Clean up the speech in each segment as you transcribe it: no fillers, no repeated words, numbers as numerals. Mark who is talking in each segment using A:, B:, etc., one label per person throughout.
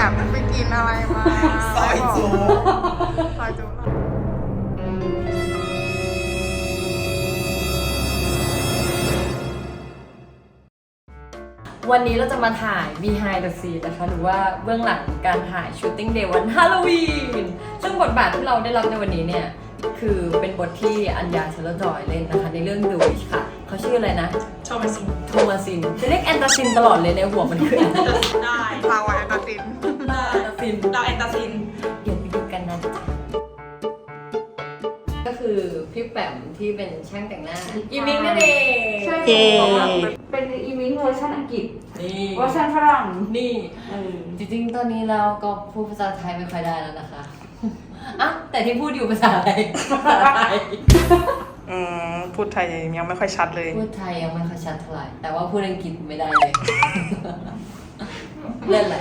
A: มไปกินอะไรมาซอยจูซอยจู
B: วันนี้เราจะมาถ่าย behind the scene นะคะหรือว่าเบื้องหลังการถ่าย shooting day วันฮาโลวีนซึ่งบทบาทที่เราได้รับในวันนี้เนี่ยคือเป็นบทที่อัญญาเชลจอยเล่นนะคะในเรื่อง The Witch ค่ะเขาชื่ออะไรนะ
C: โทมั
B: สินจะเรียกแอนตาซินตลอดเลยในหัวมันคือ
C: ได้
A: ลาวาแอนตาซิน
C: ดาวแอนตาซิน
B: เดี๋ยวไปดูกันนะก็คือพี่แปมที่เป็นช่างแต่งหน้าอีมิงนั่นเอง
D: ใช่เป็นอีมิงเวอร์ชันอังกฤษ
B: นี่
D: เวอร์ชันฝรั่ง
B: นี่จริงๆตอนนี้เราก็พูดภาษาไทยไม่ค่อยได้แล้วนะคะอ่ะแต่ที่พูดอยู่ภาษาอะไร
A: พูดไทยยังไม่ค่อยชัดเลย
B: พูดไทยยังไม่ค่อยชัดเท่าไหร่แต่ว่าพูดอังกฤษไม่ได้เลยเล่นอะไร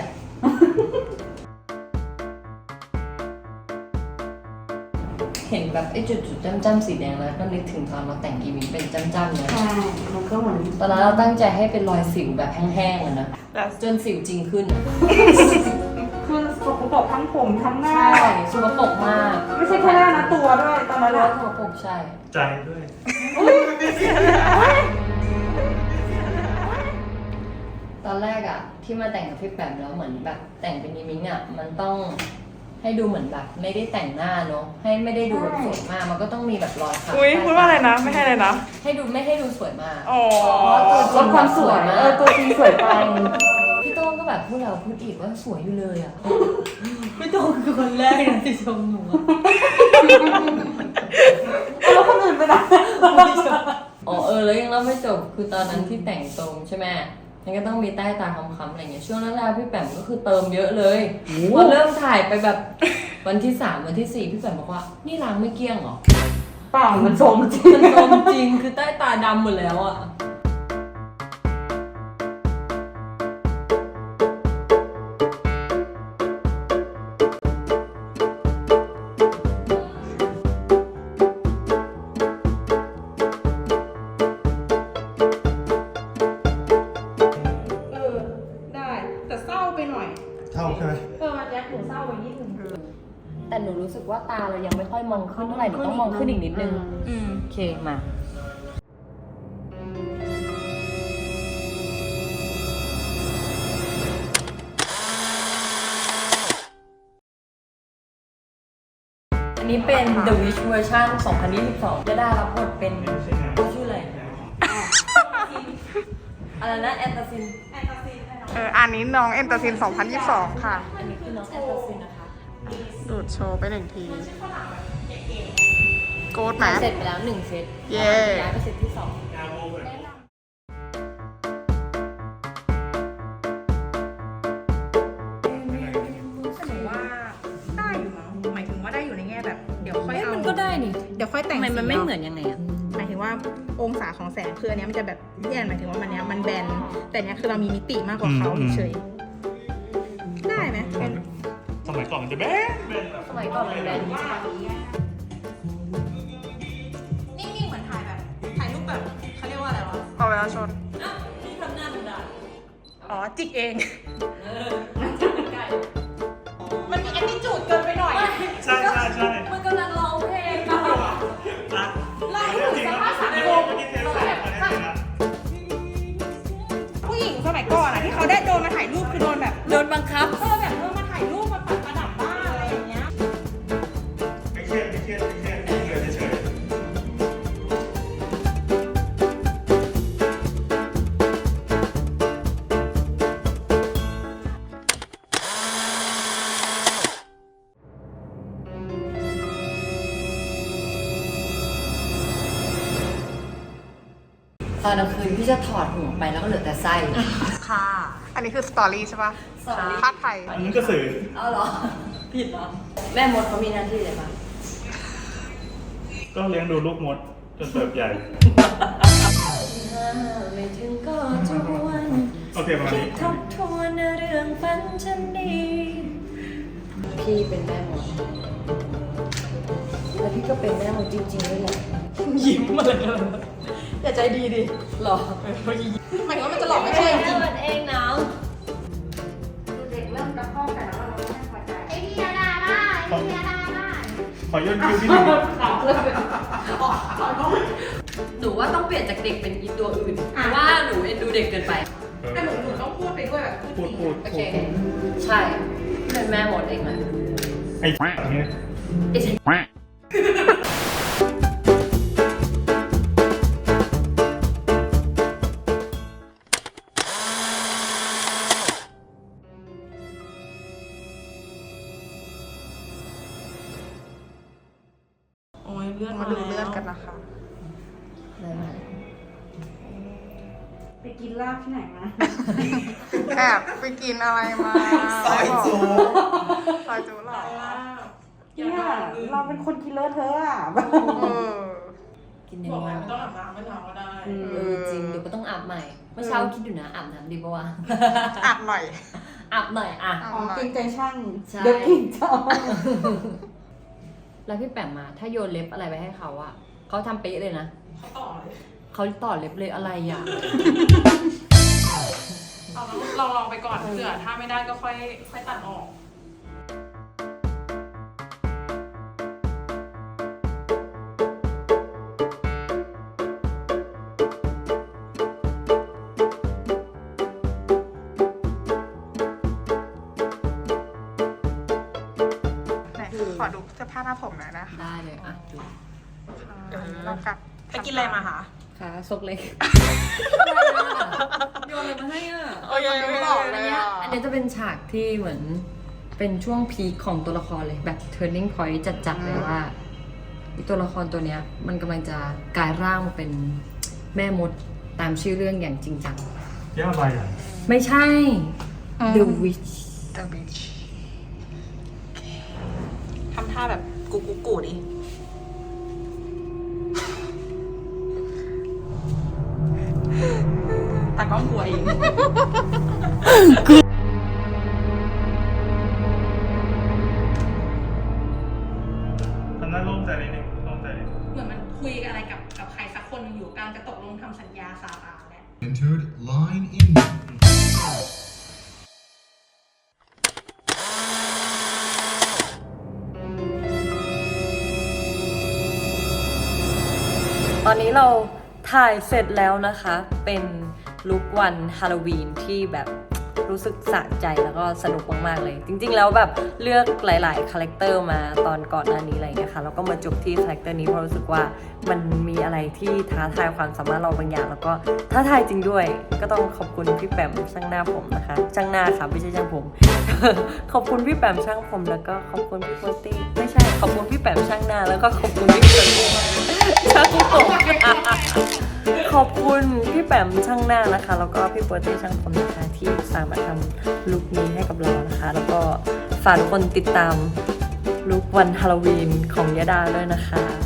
B: เห็นแบบไอ้จุดๆจ้ำๆสีแดงแล้วก็นึกถึงตอนเราแต่งอีมิงเป็นจ้ำๆเลย
D: ใช่มันก็เหมือน
B: ตอนนั้นเราตั้งใจให้เป็นรอยสิวแบบแห้งๆอะนะจนสิวจริงขึ้น
D: คือสกปรกทั้งผมทั้งหน้า
B: ใช่สกปรกมาก
D: ไม่ใช่แค่หน้านะตัวด้วยตอนนั้น
B: สกปรกใช่
E: ใจด้วย
B: ตอนแรกอะที่มาแต่งกับพี่แปมแล้วเหมือนแบบแต่งเป็นอีมิงอะมันต้องให้ดูเหมือนแบบไม่ได้แต่งหน้าเนาะให้ไม่ได้ดูแบบสวยมากมันก็ต้องมีแบบรอยขาว
A: พูดว่าอะไรนะไม่ให้เลยนะ
B: ไม่ให้ดูสวยมาก
D: ลดความสวยตัวจริงสวยไป
B: พี่โต้งก็แบบพูดแล้วพูดอีกว่าสวยอยู่เลยอ่ะพี่โต้งคือคนแรกนะที่ชมหนู
D: แล้วคนอื่นไปไหน
B: แล้วยังเล่าไม่จบคือตอนนั้นที่แต่งตรงใช่ไหมมันก็ต้องมีใต้ตาค้ำๆอะไรเงี้ยช่วงนั้นพี่แปมก็คือเติมเยอะเลยพอเริ่มถ่ายไปแบบวันที่3วันที่4พี่แปมบอกว่านี่ล้างไม่เกลี้ยงหรอ
D: เปล่ามันโซมจริง
B: คือใต้ตาดำหมดแล้วอ่ะแต่หนูรู้สึกว่าตาเรายังไม่ค่อยมองขึ้นเท่าไหร่หนูต้องมองขึ้นอีกนิดนึงโอเคมาอันนี้เป็น The Witch เวอร์ชัน2022จะได้รับบทเป็นชื่ออะไรอะไรนะแอนตาซิน
A: อันนี้น้องแอนตาซิน2022ค่ะ
B: อันนี้คือน้องแอนตาซินนะคะ
A: ดูดโชว์ไป1ทีโกดไหม
B: เสร็จไปแล้ว1เซต
A: เย้
B: ย้ายไปเซตที่2
C: ได้อยู่มั้งหมายถึงว่าได้อยู่ในแง่แบบเดี๋ยวค่อยเอา
B: มันก็ได้นี่
C: เดี๋ยวค่อยแต่ง
B: มันไม่เหมือนยังไงอ่ะ
C: หมายถึงว่าองศาของแสงคืออันนี้มันจะแบบแย่หมายถึงว่ามันเนี้ยมันแบนแต่เนี้ยคือเรามีมิติมากกว่าเขาเฉยได้ไหม
E: สมัยก่อนมันจะแบน
B: สมัยก่อนมันแบน
C: นิ่งๆเหมือนถ่ายแบบถ่ายรูปแบบเขาเรียกว่าอะไรวะ
A: เอาเวลาชน
B: ที่ทำหน้ามันได้
C: จิกเองมันมีแอตติจูดเกินไปหน่อย
E: ใช่
B: มันกำลังร้องเพลง
C: ไล่ถึงสภาพสังคมผู้หญิงสมัยก่อนที่เขาได้โดนมาถ่ายรูปคือโดนแบบ
B: โดนบังคับ
C: แบบมาถ่ายรูปมาปัดประดับบ้านอะไรอย่างเงี้ย
E: ไม่เครียดเฉย
B: ตอนกลางคืนพี่จะถอดหัวไปแล้วก็เหลือแต่ไส้
A: ค่ะอันนี้คือสตอรี่ใช่ปะภาพไทย
E: อันนี้ก็สื่อ
B: เอาเหรอผิดเหรอแม่มดเขามีหน้าที่อะไรบ้าง
E: ก็เลี้ยงดูลูกมดจนเติบใหญ่
B: ไม่ถึงก็จวน
E: โอเคประมาณนี้
B: ทบทวนเรื่องฝันฉันดีพี่เป็นแม่มดแล้วพี่ก็เป็นแม่มดจริงๆด้วยแหละยิ้มมาเลยอย่าใจดีดิหรอ
C: หมายถึงว่ามันจะหลอกไม่ใช่จริง
B: เองนะ
D: เด็กเริ่มตะคอกแต่ละ
E: ขอย่นคิ้วที่หนึ่ง
B: หนูว่าต้องเปลี่ยนจากเด็กเป็นอีตัวอื่นเพราะว่าหนูเอ็นดูเด็กเกินไป
C: แต่หนูต้องพูดไปด้วยแบบ
E: พูด
B: โอเค ใช่เป็นแม่หมดเองเลย
E: ไอ้อย่างเงี้ย
D: โอ้ยเลือด
A: มาดูเลือดกันนะคะ
B: ได้ไหม
D: ไปกินลาบที่ไหนมา
A: แอบไปกินอะไรมา
E: ซอยจู
A: ซอยจูหรอ
D: เนี่ยเราเป็นคนกินเลอะเทอะอ่ะ
A: เออ
B: กินยัง
C: บอก
B: ไง
C: แล้วไม่ต้องอาบน้ำไม่ทำก็ได้
B: จริงเดี๋ยวก็ต้องอาบใหม่ เมื่อเช้าคิดอยู่นะอาบน้ำดีปะวะ
A: อาบหน่อย
B: อาบหน่อยอ่ะ
D: อ๋อเกรงใจช่าง
B: ใช่
D: เดี๋ยวกินจ้า
B: แล้วพี่แปมมาถ้าโยนเล็บอะไรไปให้เขาอะเขาทำเป๊ะเลยนะ
C: เขาต่อเลย
B: เขาต่อเล็บเลยอะไรอะ
C: เอาลองไปก่อนเผื่อถ้าไม่ได้ก็ค่อยตัดออก
A: ไหนขอดูเสื้อผ้าหน้าผมหน่อยนะคะ
B: ได้เลยอ่ะดู
A: เดี๋ยวเรากลับ
C: ไปกินอะไรมาคะ
B: ขาซกเล็กโยนอะไรมาให้อ่ะ
A: โอ้ยยังไม่บอกเลยอ่ะ
B: อันนี้จะเป็นฉากที่เหมือนเป็นช่วงพีคของตัวละครเลยแบบ turning point จัดๆเลยว่าไอ้ตัวละครตัวเนี้ยมันกำลังจะกลายร่างมาเป็นแม่มดตามชื่อเรื่องอย่างจริงจัง
E: ย่าใบอ่ะ
B: ไม่ใช่ The Witch
A: The Beach
C: ทำท่าแบบกูดิตากล้องกลัวเอง
E: ทำหน้าโล่งใจนิดนึงโล่งใจนิดนึง
C: เหมือนมันคุยอะไรกับใครสักคนหนึงอยู่กำลังจะตกลงทำสัญญาซาตานแหละ
F: Entered line in.
B: ตอนนี้เราถ่ายเสร็จแล้วนะคะ เป็นลุควันฮาโลวีนที่แบบรู้สึกสะใจแล้วก็สนุกมากๆเลย จริงๆแล้วแบบเลือกหลายๆคาแรคเตอร์มาตอนก่อนหน้านี้อะไรอย่างเงี้ยค่ะแล้วก็มาจบที่คาแรคเตอร์นี้เพราะรู้สึกว่ามันมีอะไรที่ท้าทายความสามารถเราบางอย่างแล้วก็ท้าทายจริงด้วย ก็ต้องขอบคุณพี่แปมช่างหน้าผมนะคะช่างหน้าค่ะไม่ใช่ช่างผม ขอบคุณพี่แปมช่างผมแล้วก็ขอบคุณพี่โพสตี้ไม่ใช่ขอบคุณพี่แปมช่างหน้าแล้วก็ขอบคุณพี่เปิร์ตี้ช่างผมขอบคุณพี่แปมช่างหน้านะคะ แล้วก็พี่โพสตี้ช่างผมนะคะที่สามารถทำลุคนี้ให้กับเรานะคะ แล้วก็ฝากทุกคนติดตามลุควันฮาโลวีนของยะดาด้วยนะคะ